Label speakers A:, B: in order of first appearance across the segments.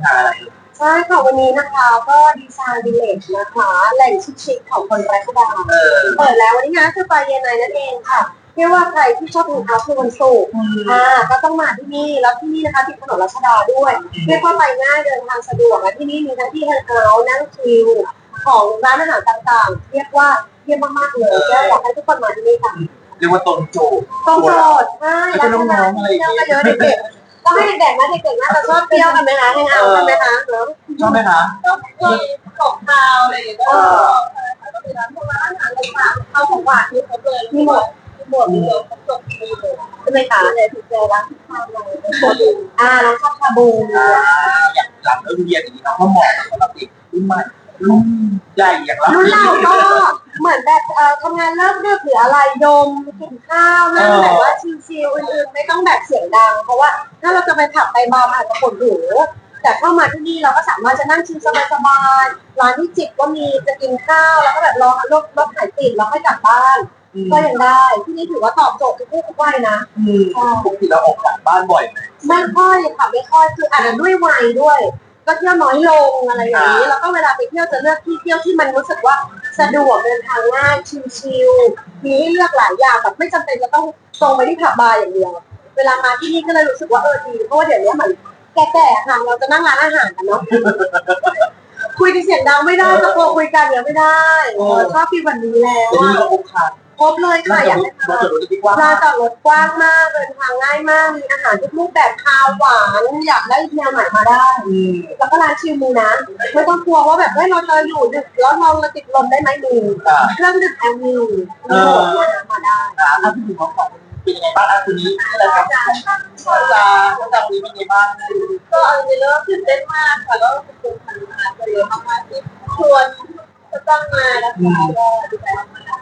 A: งานอะไร
B: ใช่ค่ะวันนี้นะคะก็ดีไซน์วิลเลจนะคะแหล่งชิคๆของคนรัชดาเปิดแล้ววันนี้นะคือปลายเย็นในนั่นเองค่ะเรียกว่าใครที่ชอบกินข้าวคือวันศุกร์ก็ต้องมาที่นี่แล้วที่นี่นะคะติดถนนรัชดาด้วยเรียกว่าไปง่ายเดินทางสะดวกและที่นี่มีทั้งที่แฮงเอาท์นั่งชิลของร้านอาหารต่างๆเรียกว่าเยี่ยมมากๆเลยก็อยากให้ทุกคนมาที่นี่ค่ะ
A: เรียกว่าตรงโจทย์
B: ใช่แล้วก็น้องๆอะไรเที่ยวก็เยอะเด็กๆก็ให้เด็กๆนะเด็กๆน่าจะชอบเที่ยวกันไหมคะแฮงเอาท์กันไหมคะ
A: ชอบไหมคะ
B: ก็มีของคาวอะไรอย่างเงี้ยก็มีร้านพวกร้านอาหารต่างๆข้าวของหวานที่เขาเลยมีหมดมีเลยครบจบมีเลยใช่ไหมคะเลยถึงเจอร้านข้าวเลยร้านชาชาบู
A: อย่างหลังเลิกเรียนอย่างนี้เราก็เหมาะสำหรับเด็กรุ่นใหม่รุ่นใหญ่อย่างเรา
B: รุ่นเราก็เหมือนแบบทำงานเลิกดึกหรืออะไรดมกินข้าวนั่งแบบว่าชิลๆอื่นๆไม่ต้องแบบเสียงดังเพราะว่าถ้าเราจะไปผับไปบาร์อาจจะปวดหูแต่เข้ามาที่นี่เราก็สามารถจะนั่งชิลสบายๆร้านที่จิบก็มีจะกินข้าวแล้วก็แบบรอรถหายติดแล้วค่อยกลับบ้านก็ยังได้ที่นี่ถือว่าตอบโจทย์ทุกเพศทุกวัยนะ
A: ปกติเราออกจากบ้านบ่อยไหม
B: ไม่ค่อยค่ะไม่ค่อยคืออาจจะด้วยวัยด้วยก็เที่ยวน้อยลงอะไรอย่างนี้แล้วก็เวลาไปเที่ยวจะเลือกที่เที่ยวที่มันรู้สึกว่าสะดวกเดินทางง่ายชิลๆมีให้เลือกหลายอย่างแบบไม่จำเป็นจะต้องตรงไปที่ผับบาร์อย่างเดียวเวลามาที่นี่ก็เลยรู้สึกว่าดีเพราะว่าเดี๋ยวนี้เหมือนแก่ๆค่ะเราจะนั่งร้านอาหารกันเนาะคุยกันเสียงดังไม่ได้ตะโกนคุยกันเนี่ยไม่ได้ชอบฟีลแบบนี้แล้ว
A: ที่นี่ก็
B: ครบเลยค่ะอย่างนี้ลานจอดรถกว้างมากเดินทางง่ายมากมีอาหารทุกรูปแบบคาวหวานอยากได้แนวไหนมาได้แล้วก็ร้านชิลมูนะไม่ต้องกลัวว่าแบบเราจะอยู่ดึกแล้วเราติดลมได้ไหมมีเครื่องดื่มแอลมีมาได้
A: ถ้าพูดถึงของเป็นยังไงบ้างคืนนี้อะไรครับจำนี้เป็นยังไงบ้าง
B: ก็อันนี้เริ่มตื่นเต้นมากค่ะแล้วขอบคุณทางร้านเยอะมากๆที่ชวนจะต้องมานะคะก็ดีใจมาก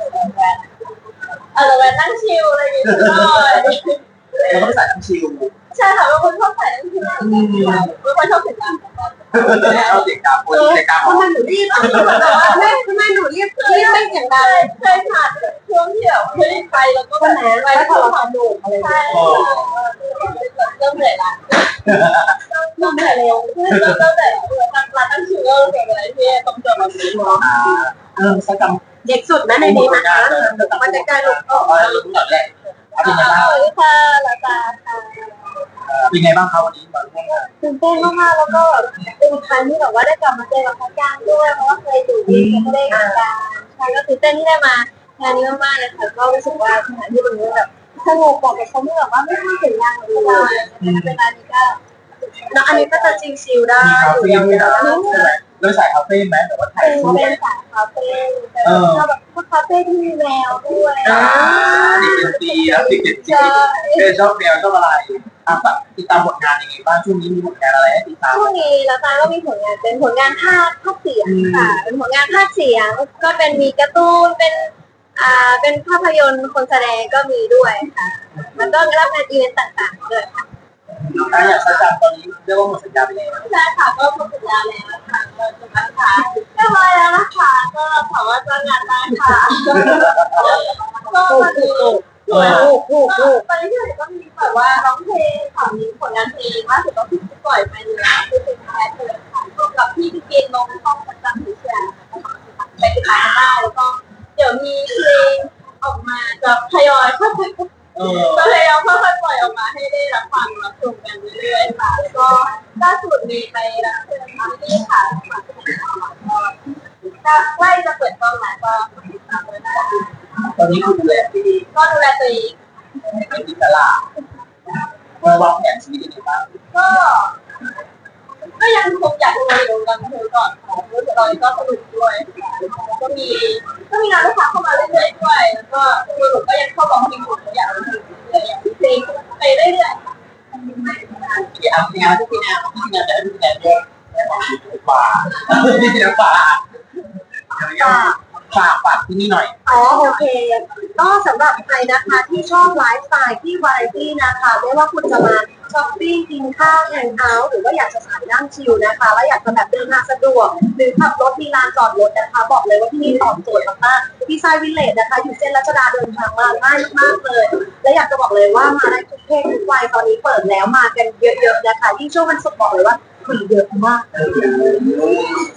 B: เราไปนั่งชิลอะไรอย่างเงี้ย
A: เราก็ไปใส่น้ำชิล
B: ใช่ค่ะบางคนชอบใส่นั่งชิลบางคนชอบเสียงดัง
A: เอาเสียงดังคนเสียงดัง
B: ทำไมหนูรีบทำไมหนูรีบไม่เสียงดังเคยผ่านช่วงที่แบบไม่ได้ไปแล้วก็แหนไปแล้วพอเราทำดูอะไรใช่เริ่มเหนื่อยละเริ่มเหนื่อยเร็วเริ่มเหนื่อยร้านนั่งชิลก็เก่งอะไรที่ต้องเจอมาซื้อเนาะ
A: สักค
B: เด็กสุดนะในนี้นะคะมันจะกลายเป็น
A: ลุ้นก่อนแหละเป็นไงบ้าง
B: สวัสดีค่ะลาตาค่ะ
A: เป็นไงบ้างครับวันนี้มาร่วมงาน
B: ตื่นเต้นมากๆแล้วก็เป็นครั้งที่แบบว่าได้กลับมาเจอกับพ่อจ้างด้วยเพราะว่าเคยอยู่ที่ไม่ได้งานใช่ก็ตื่นเต้นที่ได้มางานนี้มากๆเลยค่ะก็รู้สึกว่าสถานที่ตรงนี้แบบสงบบอกกับเขาที่แบบว่าไม่ต้องเสียงดังเลยเวลานี้ก็แล้วอันนี้ก็จะชิลๆได้
A: อยู่ยาวๆโดยสายคาเฟ่ไหมแต่ว่าถ่ายรูป
B: เป็นสายคาเฟ่แบบพวกคาเฟ่ที่มีแมวด้วย
A: ดีแล้วติดชอบแมวชอบอะไรติดตามผลงานยังไงบ้างช่วงนี้มีผลงานอะไรให้ติดตาม
B: ช่วงนี้แล้วตาก็มีผลงานเป็นผลงานภาคเสียงค่ะเป็นผลงานภาคเสียงก็เป็นมีการ์ตูนเป็นภาพยนตร์คนแสดงก็มีด้วยค่ะมันก็รับงานอีเวนต์ต่างๆด้วยค่ะ
A: อย่างสัญญาตอนนี้เรียกว่าหมดสัญญาไปแล้ว
B: ใช่ค่ะก็หมดสัญญาแล้วค่ะก็จะมาค่ะเรียบร้อยแล้วนะคะก็ขอว่าจ้างงานได้ค่ะก็มาดูตอนนี้ที่ไหนก็มีแบบว่าร้องเพลงค่ะมีผลงานเพลงล่าสุดก็ที่ปล่อยไปเลยคือเป็นแคสเลยค่ะร่วมกับพี่เกณฑ์ลงห้องประจำที่เชียร์ไปติดตามได้แล้วก็เดี๋ยวมีเพลงออกมาจะทยอยค่อยๆก็เลยเอาค่อยๆปล่อยออกมาให้ได้รับฟังรับชมกันเรื่อยๆค่ะแล้วก็ล่าสุดมีไปรับเชิญที่ค่ะก็ใกล้จะเปิดกล้องแล้วก็ติดตามด้วยนะ
A: ตอนนี้คุณดูแลตัวเอง
B: ก็ดูแลตัวเอง
A: เป็นอิสระวางแผนชีวิตยังไงบ้าง
B: ก็ยังคงอยากดูอยู่กันคือก่อนค่ะรู้สึกตอนนี้ก็สนุกด้วยก็มีงานลูกค้าเข้ามาเรื่อยๆด้วยแล้วก็ตัวหนูก็ยังเข้าบอกที่หนูอยากรู้อยากเพลงไปเรื่อย
A: ๆที่งานที่งานแต่ที่งานเยอะป่าฝากที่นี่หน่อย
B: โอเคก็สำหรับใครนะคะที่ชอบไลฟ์สไตล์ที่วาไรตี้นะคะไม่ว่าคุณจะมาช้อปปิ้งกินข้าวแฮงเอาท์หรือว่าอยากจะสายนั่งชิลนะคะแล้วอยากจะแบบเดินทางสะดวกหรือขับรถมีลานจอดรถนะคะบอกเลยว่าที่นี่ตอบโจทย์มากๆดีไซน์วิลเลจนะคะอยู่เส้นรัชดาเดินทางมาง่ายมากเลยและอยากจะบอกเลยว่ามาได้ทุกเพศทุกวัยตอนนี้เปิดแล้วมากันเยอะๆนะคะยิ่งช่วงวันศุกร์บอกเลยว่าคนเยอะมาก
A: เออ